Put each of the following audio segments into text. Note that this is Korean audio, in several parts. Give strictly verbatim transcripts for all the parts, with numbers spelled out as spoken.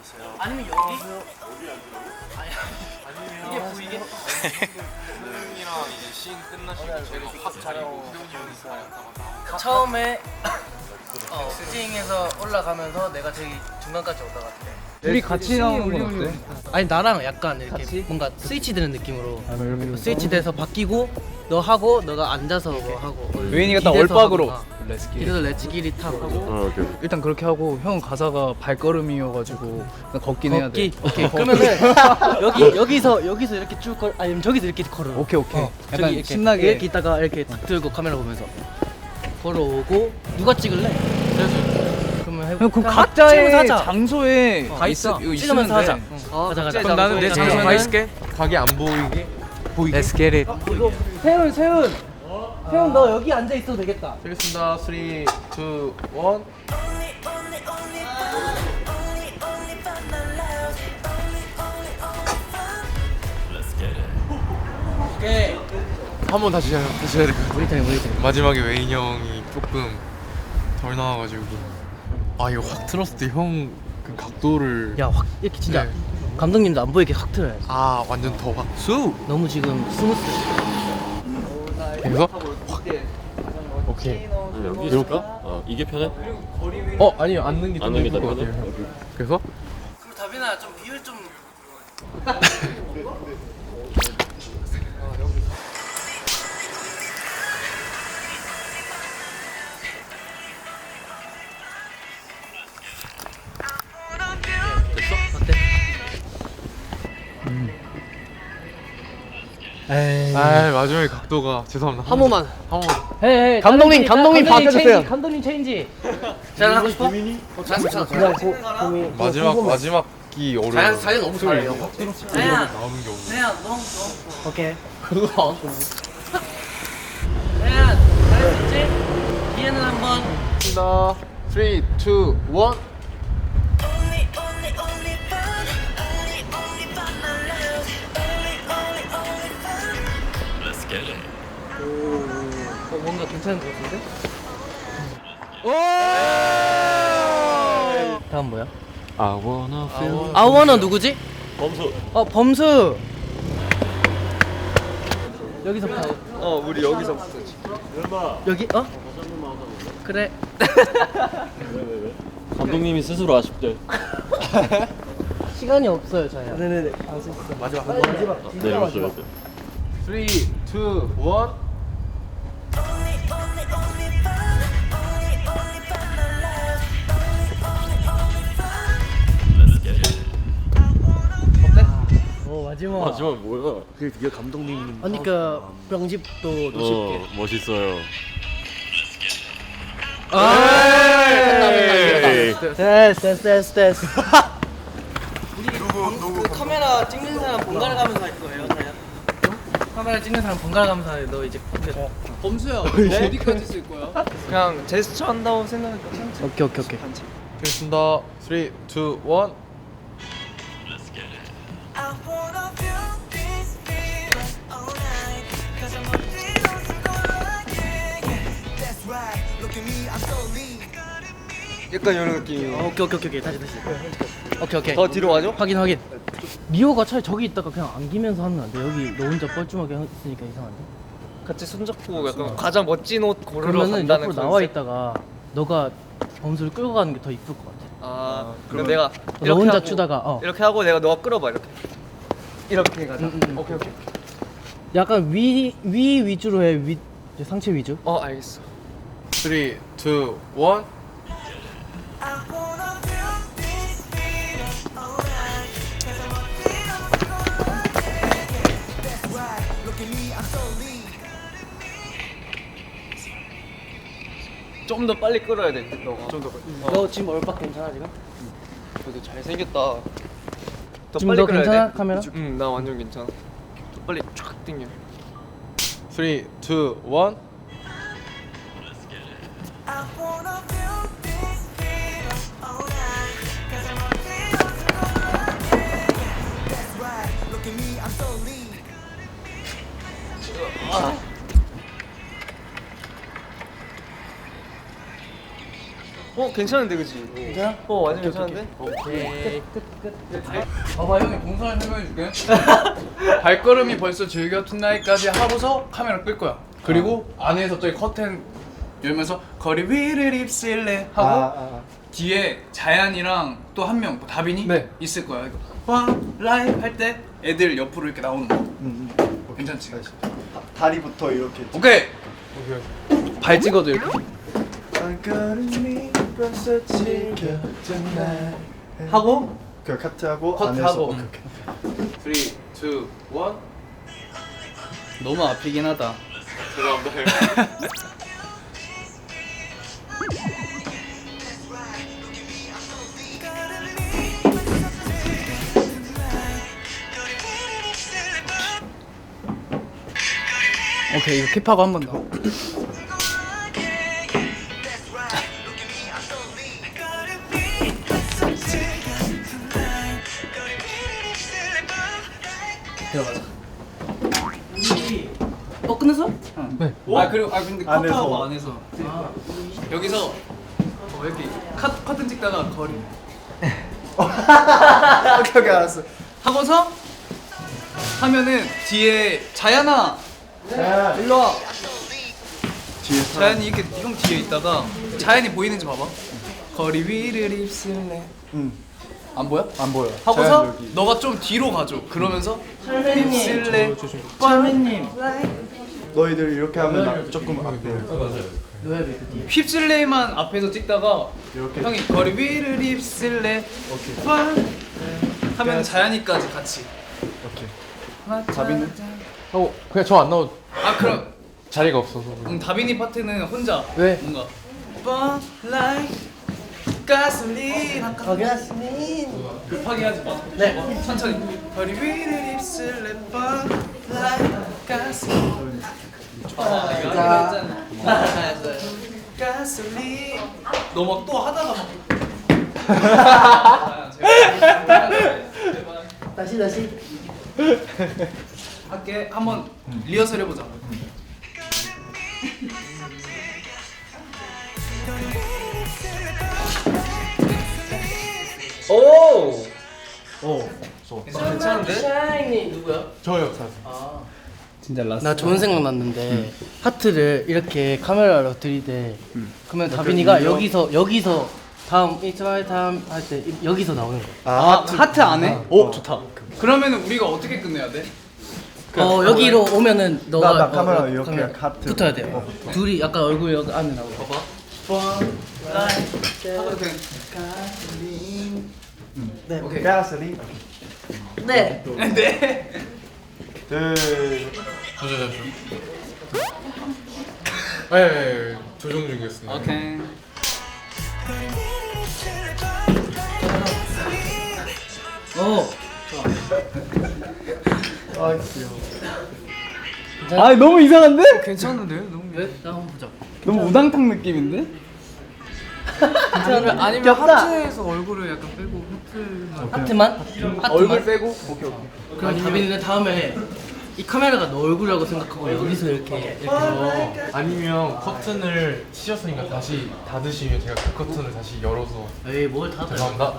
아니면 여기? 어디 앉으라고? 이게 보이게? 형이랑 이제 씬 끝나시고 제가 확 자리고 세훈이 형이 자리다가 처음에 어, 스팅에서 올라가면서 내가 제일 중간까지 올라갔대 우리 같이 나오는 건 어때? 아니 나랑 약간 이렇게 같이? 뭔가 스위치 되는 느낌으로 아, 이렇게 스위치 돼서 바뀌고 너 하고 너가 앉아서 뭐 하고 웨인이가 딱 기대서 얼박으로 하거나. 렛츠기. 이래서 렛츠기리 타고 어, 오케이. 일단 그렇게 하고 형 가사가 발걸음이어가지고 그냥 걷긴 해야 돼. 걷기? 오케이 그러면은 여기 여기서 여기서 이렇게 쭉 걸 아니면 저기서 이렇게 걸어 오케이 오케이. 어, 약간 저기 이렇게, 신나게. 이렇게 있다가 이렇게 탁 들고 카메라 보면서 걸어오고 누가 찍을래? 그래서 그러면 해볼까? 형 그 그냥 각자의 찍으면서 하자. 장소에 어, 다 있어. 이거 찍으면서 있으면 하자. 돼. 어, 가자 가자. 그럼 나는 내 장소에 가 있을게. 가게 안 보이게 보이게 Let's get it. 이거 세훈 세훈 세훈 너 여기 앉아 있어도 되겠다. 되겠습니다. 삼, 이, 일 오케이. 한 번 다시 해야 다시 해야 될 것 같아. 우리 타임 우리 타임. 마지막에 웨인 형이 조금 덜 나와가지고 아 이거 확 틀었을 때 형 그 각도를 야확 이렇게 진짜 네. 감독님도 안 보이게 확 틀어야지. 아 완전 더 확 수! 너무 지금 스무스. 그래서 오케이 여기 이럴까? 어, 이게 편해? 어 아니요 앉는 게 좀 앉는 게 예쁠 더 것 편해? 같아요. 오케이. 그래서 그럼 다빈아 좀 비율 좀. 어때? 에이. 아 마지막에 각도가 죄송합니다. 한 번만. 한 번. 헤이, 헤이, 감독님, 다빈 감독님 체인지, 바꿔주세요. 감독님 체인지. 자연 하고 싶어? 어, 자연 괜찮아. 마지막 마지막 기 어려워. 자연 자연 너무 잘해요. 자연. 나오는 게 없네. 자연 너무 너무. 오케이. 그거. 자연 잘할 수 있지? 뒤에는 한번. 나 삼, 이, 일 어, 뭔가 괜찮은 것 같은데? 다음 뭐야? I wanna feel 아워너 누구지? 범수. 어 범수. 여기서부터. 어 우리 여기서부터. 여기 어? 그래. 감독님이 스스로 아쉽대. 시간이 없어요 자연. 네네네. 마지막 내려오셔야 돼. 삼, 이, 일 오 마지막. 마지막 뭐야? 그게 되게 감독님. 그러니까 병집도 놓칠게. 어, 멋있어요. 에이. 됐어 됐어 됐어 됐어. 우리 그 카메라 찍는 사람 번갈아 가면서 할 거예요 자연. 카메라 찍는 사람 번갈아 가면서 해. 너 이제 범수야 어디까지 쓸 거야? 그냥 제스처 한다고 생각하니까 오케이 오케이 오케이. 되겠습니다. 삼, 이, 일 I wanna feel this feeling all night. Cause I'm only on to go like it. That's right. Look at me, I'm so lean. 약간 이런 느낌. 어, 오케이 오케이 오케이 다시 다시. 오케이 오케이. 더 뒤로 가죠? 확인 확인. 미호가 차라리 저기 있다가 그냥 안기면서 하면 안 돼. 여기 너 혼자 뻘쭘하게 했으니까 이상한데. 같이 손잡고 약간 가장 멋진 옷 고르러 그러면은 간다는 옆으로 나와 있다가 너가 범수를 끌고 가는 게 더 이쁠 것 같아. 아 그럼 내가 너 이렇게 혼자 하고, 추다가 어. 이렇게 하고 내가 너가 끌어봐 이렇게. 이렇게 가자. 음, 음, 음. 오케이 오케이. 약간 위 위 위주로 해. 위 이제 상체 위주. 어 알겠어. 삼, 이, 일 I wanna feel this feeling all night. Cause I'm only on to go like it. That's right. Look at me, I'm so lean. 좀 더 빨리 끌어야 돼. 너가. 좀 더. 너 지금 얼박 괜찮아 지금? 그래도 잘생겼다. 더 지금 너 괜찮아 카메라? 응, 나 완전 괜찮아. 더 빨리 쫙 당겨. 삼, 이, 일 I wanna feel this feeling all night. Cause I'm only on to go like it. That's right. Look at me, I'm so lean. 어 괜찮은데 그치? 괜찮아? 어 완전 괜찮은데? 오케이. 끝끝끝. 봐봐 형이 동선을 설명해줄게. 발걸음이 벌써 즐겨 툰나잇까지 하고서 카메라 끌 거야. 그리고 안에서 저기 커튼 열면서 거리 위를 입술래 하고 아, 아. 뒤에 자ян이랑 또 한 명, 뭐 다빈이 네. 있을 거야. 이거 one life 할 때 애들 옆으로 이렇게 나오는 거. 음, 괜찮지? 다리부터 이렇게. 오케이. 발 찍어도 이렇게. 발걸음이 벌써 지겨진 날. 하고 그 카트하고 커트하고. 안에서 오케이, 오케이. three, two, one. 너무 앞이긴 하다. 오케이 이거 킵하고 한 번 더. 들어가자. 어 끝났어? 네. 아 그리고 아 근데 안에서. 커트하고 안에서. 아, 여기서 어, 이렇게 컷 커튼 찍다가 거리 오케이 오케이 알았어. 하고서 하면은 뒤에 자연아 자, 일로 와. 뒤에 자연이 이렇게 형 뒤에 있다가 자연이 보이는지 봐봐. 거리 위를 입술래. 응. 안 보여? 안 보여. 하고서 자연 여기. 너가 좀 뒤로 가줘. 그러면서 선배님. 입술래. 선배님. 너희들 이렇게 하면 나 조금 앞에. 너야 왜 그뒤? 휩쓸래만 앞에서 찍다가 이렇게. 형이 거리 위를 입술래. 오케이. 와. 하면 자연이까지 같이. 오케이. 다빈은? 어 그냥 저 안 나오 아 그럼 자리가 없어서. 음, 다빈이 파트는 혼자. 네. 뭔가. Burn like 가솔린. 어 가스민. 급하게 하지 마. 네. 천천히. 거리 위를 입술래. Burn like 가솔린. 아 이거 자. 했잖아. 가솔린. 너 막 또 하다가 막. 아, 제발. 제발. 다시 다시. 할게. 한번 리허설 해보자. 오. 오. 괜찮은데? 샤이니 누구야? 저요. 진짜 라스. 나 좋은 생각 났는데 하트를 이렇게 카메라로 들이대. 그러면 다빈이가 여기서 여기서 다음 이스마일 다음 할 때 여기서 나오는 거야. 아, 하트 안 해? 오 좋다. 그러면 우리가 어떻게 끝내야 돼? 어 여기로 오면은 너가 나 카메라 어, 이렇게 카메라 하트. 붙어야 돼. 요 둘이 약간 얼굴 여기 안에 나오고. 봐봐. 하고 그냥 네. 오케이. 가솔린. 네. 네. 둘. 저저 저. 네, 네, 조정 중이었습니다. 오케이. 어. 아 귀여워. 아 너무 이상한데? 괜찮은데요? 너무 왜? 나 한번 보자. 너무 우당탕 느낌인데? 아니면 아니면 귀엽다. 하트에서 얼굴을 약간 빼고 하트만 하트만? 하트만? 얼굴 빼고 오케이 오케이. 그럼 다빈이는 다음에 이 카메라가 너 얼굴이라고 생각하고 여기서 이렇게 이렇게 어, 아니면 커튼을 치셨으니까 다시 닫으시면 제가 그 커튼을 다시 열어서. 에이 뭘 다. 죄송합니다.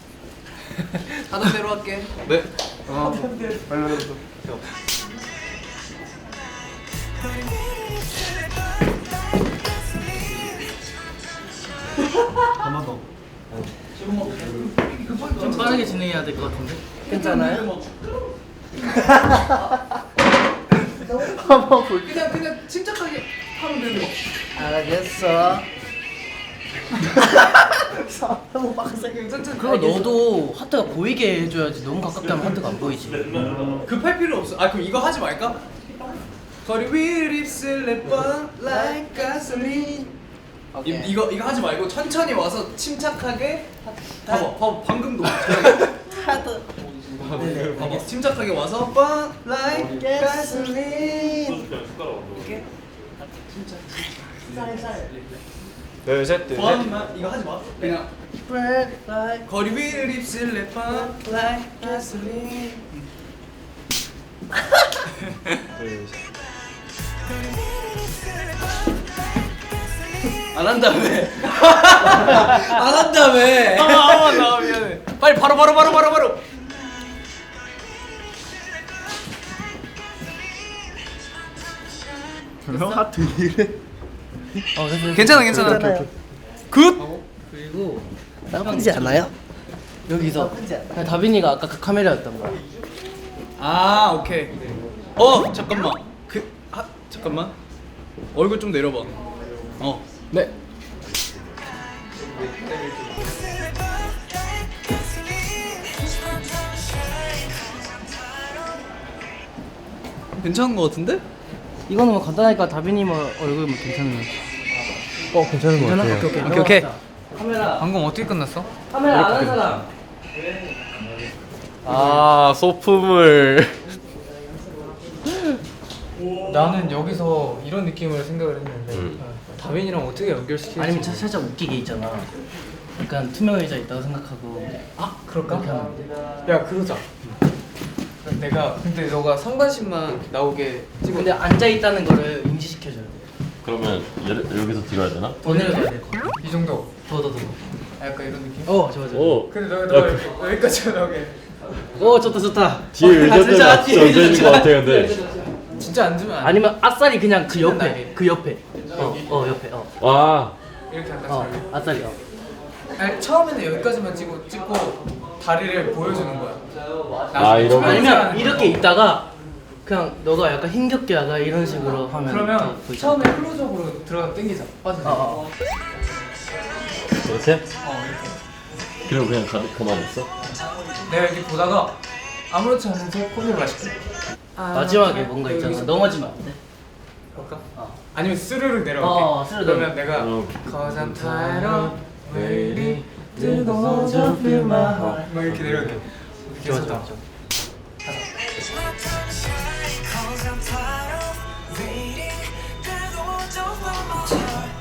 하던 대로 할게. 네. 빨리 빨리. 한번 더. 좀 빠르게 진행해야 될 것 같은데. 괜찮아요? 한번 볼. 그냥 그냥 침착하게 하면 되는 거. 알겠어. 너무 빡세. 천천히. 그거 너도 하트가 보이게 해줘야지. 너무 가깝게 하면 하트가 안 보이지. 급할 필요 없어. 아 그럼 이거 하지 말까? 거리 위를 입술래 burn like gasoline. 이, 이거 이거 하지 말고 천천히 와서 침착하게. 봐봐, 봐봐 방금도. 하트. 봐봐, 침착하게 와서 burn like gasoline. 이렇게. 둘, 셋, 둘, 셋. burn 이거 하지 마. 그냥 Break like. 거리 위를 입술래 burn like gasoline. 둘, 셋. 안 한다며. 안 한다며. 아마 나 미안해. 빨리 바로 바로 바로 바로 바로. 형 하트 이래. 어, 됐어. 괜찮아 괜찮아. 굿. 그리고 나쁘지 않아요? 여기서 그냥 다빈이가 아까 그 카메라였단 말이야. 아 오케이. 어 잠깐만. 그 아, 잠깐만. 얼굴 좀 내려봐. 어. 네. 괜찮은 거 같은데? 이거는 뭐 간단하니까 다빈이 뭐 얼굴 뭐 괜찮네. 어 괜찮은 거 괜찮아? 같아요. 오케이 오케이. 오케이, 오케이. 넘어갑시다. 카메라 방금 어떻게 끝났어? 카메라 안 하는 사람. 아 소품을. 나는 여기서 이런 느낌을 생각을 했는데 음. 다빈이랑 어떻게 연결시킬지. 아니면 차- 살짝 웃기게 있잖아. 약간 투명 의자 있다고 생각하고. 아 그럴까? 그렇게 하면 돼. 야 그러자. 내가 근데 너가 상반신만 나오게 찍어. 근데 앉아 있다는 거를 인지시켜줘야 돼. 그러면 얘, 여기서 들어야 되나? 더 내려가야 돼. 더 이 정도. 더 더. 아, 약간 이런 느낌. 어 좋아 좋아. 오. 근데 너 너 이렇게 여기까지 나오게. 오 좋다 좋다. 뒤에 의자 때문에 진짜 같이 뒤에 얹어 있는 의자 것 같아 근데. 진짜 앉으면 안 돼. 아니면 아싸리 그냥 그 옆에 나게. 그 옆에. 어 어 옆에 어. 와. 이렇게 앉아서. 어 아싸리 어. 아니 처음에는 여기까지만 찍고 찍고 다리를 보여주는 거야. 아, 이런 거? 아니면 이렇게 있다가 그냥 너가 약간 힘겹게 약간 이런 식으로 하면 더 그러면 보이지. 처음에 클로즈업으로 들어가 당기자. 빠져. 어, 어. 이렇게? 어 이렇게. 그리고 그냥 가, 가만히 있어? 내가 이렇게 보다가 아무렇지 않은 척 커피를 마실게. 마지막에 뭔가 있잖아. 여기서 넘어지면 안 돼. 볼까? 어. 아니면 스르륵 내려갈게. 어, 스르륵. 그러면 내가 어. Cause I'm tired of waiting 뜨거워져 feel my heart 막 이렇게 내려갈게. 좋아 좋아 좋아. Cause I'm tired of waiting. 뜨거워져 feel my heart.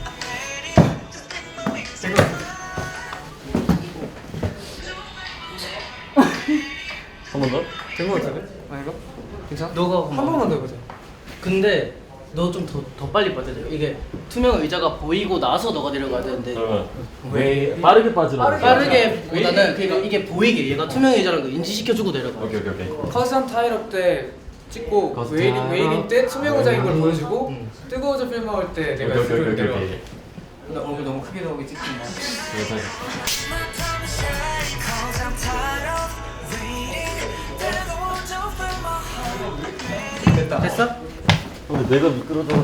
한 번 더? 된거 같은데? 아닌가? 괜찮아? 너가 한 번만 더 해보자. 근데 너 좀 더 더 빨리 빠져야 돼. 이게 투명 의자가 보이고 나서 너가 내려가야 되는데 그러면 왜 빠르게 빠지라고? 빠르게보다는 그러니까 이게 보이게 얘가 투명 의자라는 거 인지시켜주고 내려가. 오케이 오케이 오케이. Cause I'm tired of 때 찍고 Cause 웨이링 I'm 웨이링 때 투명 의자인 걸 음. 보여주고 음. 뜨거워져 필 먹을 때 내가 오케이, 오케이, 스르륵 오케이, 내려가. 오케이. 나 얼굴 너무 크게 나오게 찍지 마. 그래서 Cause I'm tired of waiting. 뜨거워져 feel my heart. 됐다. 됐어? 근데 내가 미끄러져.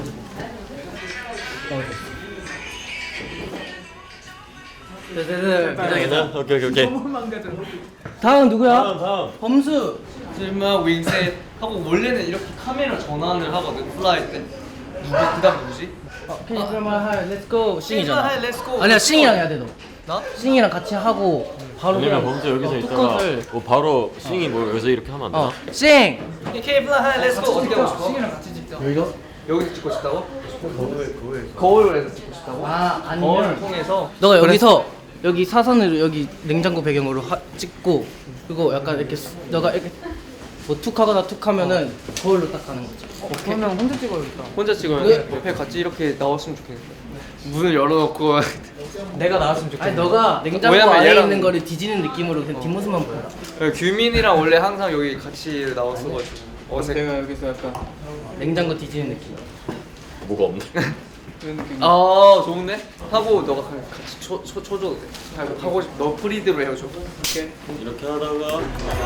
네네네. 괜찮아? 오케이 오케이 오케이. 너무 망가져. 다음 누구야? 다음 다음. 범수. 설마 윙셋 하고 원래는 이렇게 카메라 전환을 하거든 플라이 때 누구 그다음 누구지? Can you play my high? Let's go. 싱이잖아. Hey, let's go. 아니야 싱이랑 해야 돼 너. 나? 싱이랑 같이 하고 바로 아니면 그냥 범수 여기서 어, 있다가 뚜껑을- 뭐 바로 싱이 뭐 여기서 이렇게 하면 안 되나? 어 싱. K 플라이 렛츠 고 어떻게 하고 싶어? 신이랑 같이 찍자. 여기서? 여기서 찍고 싶다고? 거울 거울 거울에서 찍고 싶다고? 아 거울을 아니면 통해서 너가 여기서 여기 사선으로 여기 냉장고 배경으로 하, 찍고 그리고 약간 이렇게 수- 너가 이렇게 뭐 툭하거나 툭하면은 거울로 딱 가는 거지. 그러면 혼자 찍어야겠다. 혼자 찍어야 네. 돼. 옆에 같이 이렇게 나왔으면 좋겠는데 문을 열어놓고 내가 나왔으면 좋겠어. 아니 너가 냉장고 왜냐면 안에 얘랑- 있는 거를 뒤지는 느낌으로 그냥 뒷모습만 보여라. 규민이랑 원래 항상 여기 같이 나왔어가지고 어색 내가 여기서 약간 냉장고 뒤지는 느낌. 뭐가 없네. 그런 느낌. 아 좋은데? 하고 너가 같이 쳐, 쳐, 쳐줘도 돼 하고 싶, 너 프리드로 해줘 오케이 이렇게 하다가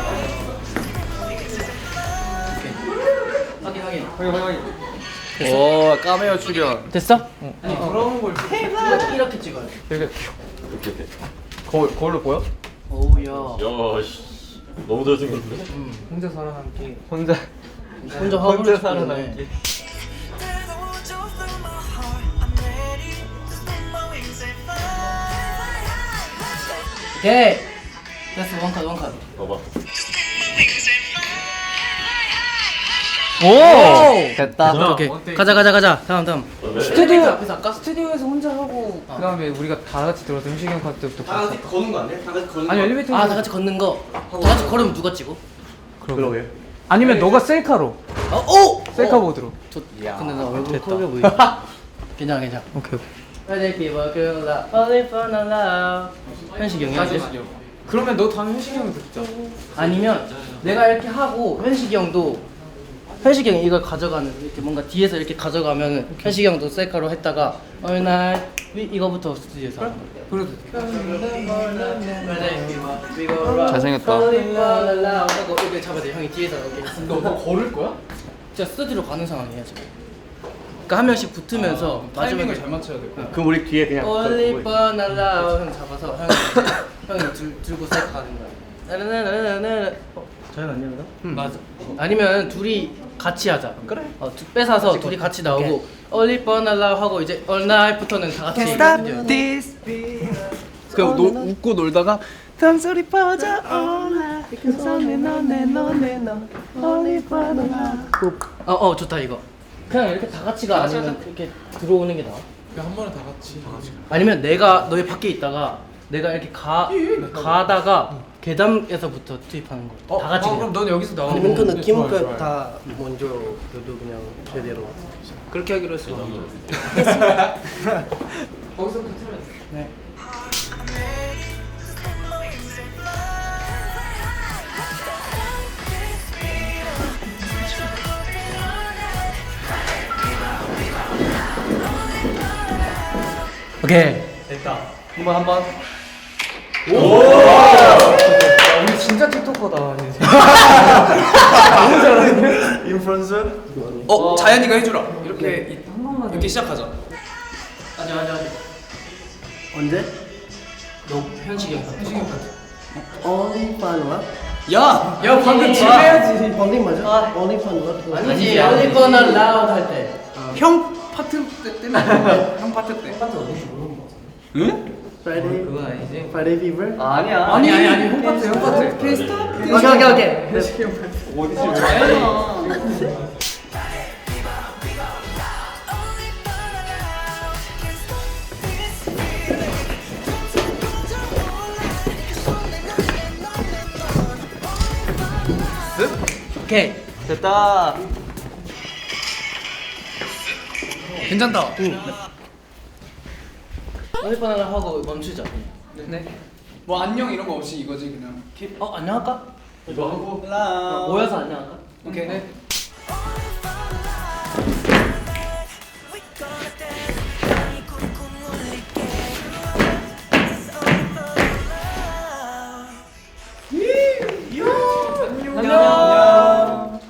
확인 확인. 확인 확인 오 까메오 출연 됐어? 아니 돌아오는 걸 찍- 이렇게, 이렇게 찍어야 돼. 이렇게 이렇게 이렇게. 거울, 거울로 보여? 오우야. 야씨 너무 잘생겼는데? 혼자 살아남기. 혼자 혼자 화분을 혼자 찍고 있네. 살아남기 뜨거워져 feel my heart. I'm ready to spin my wings and fly. 오케이. 됐어 원컷 원컷. 봐봐. 오. 됐다 오케이 오케이. 가자 가자 가자. 다음 다음. 스튜디오 앞에서 할까? 스튜디오에서 혼자 하고 그 다음에 우리가 다 같이 들어서 음식이 형 카드부터 다 같이 거는 거 아니야? 다 같이 거는 아니 거 엘리베이터 아 다 같이 걷는 거. 다 같이 걸으면 누가 찍어? 그러게 아니면 너가 셀카로 어 오. 셀카 보드로. 저, 근데 나 얼굴 커 보이. 괜찮아 괜찮아. 오케이 오케이. Friday fever, girl, love, only for the love. 현식이 형이야 이제? 그러면 너 다음에 현식이 형이 듣자. 아니면 내가 이렇게 하고 현식이 형도 현식이 형이 이걸 가져가는 이렇게 뭔가 뒤에서 이렇게 가져가면 현식이 형도 셀카로 했다가 어느 날 이- 이거부터 스튜디오에서 하는 거야. 그래도 잘생겼다. 하고 이렇게 잡아야 돼. 형이 뒤에서 이렇게. 너, 너 걸을 거야? 진짜 스튜디오로 가는 상황이야 지금. 그러니까 한 명씩 붙으면서 아, 타이밍을 마지막에 잘 맞춰야 돼. 그럼 우리 뒤에 그냥 Only for the love 형 잡아서 형이 형이 들, 들고 셀카 하는 거야. 나나나나나. 어, 자연 아니야 그럼? 응. 맞아. 아니면 둘이 같이 하자. 그래. 어, 두- 뺏어서 둘이 같이 나오고 Only for the love 하고 이제 All Night부터는 다 같이. this beat. 그럼 노, 웃고 놀다가 숨소리 퍼져 올라. 너네 너네 너네 너 Only for the love. 어, 어 좋다 이거. 그냥 이렇게 다 같이가 아니면 이렇게 들어오는 게 나아. 그냥 한 번에 다 같이. 다 같이. 아니면 내가 너희 밖에 있다가 내가 이렇게 가 가다가 계단에서부터 투입하는 거. 다 같이. 아, 그냥. 그럼 넌 여기서 나오고. 아니면 그 네, 느낌 좋아요, 그 좋아요. 다 먼저 그래도 그냥 제대로 그렇게 하기로 했어. 거기서 붙으면 돼. 네. 오케이. 됐다. 한번 한번. 야, 우리 진짜 틱톡커다. 인플루언서? 어, 자연이가 해주라. 이렇게 이- 이렇게 시작하자. 아직 아직 아직. 언제? 너 현식이 형. 현식이 형 같아. Only fun what? 야, 야 방금 지금 해야지. Only 맞아? 아. Only fun what? 아니지. Only for the loud 할 때. 형 파트 때 때문에. 형 파트 때. 응? Friday? 그건 아니지. Friday fever? 아니야. 아니 아니 아니 형 파트 형 파트. 케이스타. 오케이 오케이 오케이. 현식이 형 파트. 오케이. 됐다. 괜찮다. 어디 바나나 하고 멈추자. 네. 뭐 안녕 이런 거 없이 이거지 그냥. 어 안녕할까? 이거 하고. 어, 모여서 안녕할까? 오케이. 네. We gonna dance, 땅이 쿵쿵 울리게. It's only for the love. 안녕.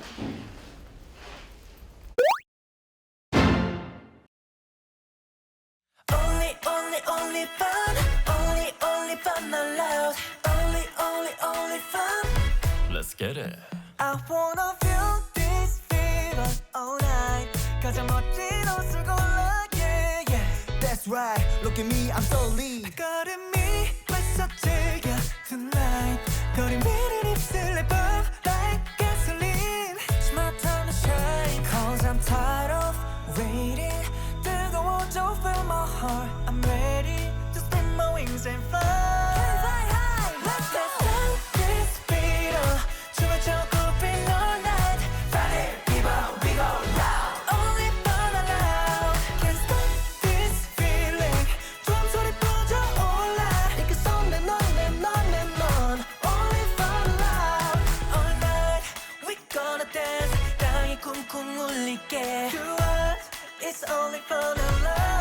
Only, only, only fun. Only, only fun allowed. Only, only, only fun. Let's get it. I wanna feel this feeling all night. 가장 멋진 옷을 골라, yeah, yeah. That's right. Look at me, I'm so lean. 걸음이 벌써 즐겨 tonight. 거리 위를 입술에 burn like gasoline. It's my time to shine. Cause I'm tired of waiting. 뜨거워져, feel my heart. I'm ready to spin my wings and fly. Can fly high. Let's dance down this beat. 춤을 춰고 feel all night. Friday fever, we go loud. Only fun allowed. Can't stop this feeling. drum 소리 퍼져 올라. 이렇게 손에 넌, 내 넌, 내 넌. Only fun allowed. All night we gonna dance. 땅이 쿵쿵 울리게. To us, it's only fun allowed.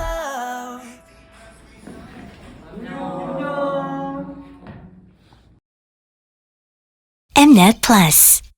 Mnet Plus.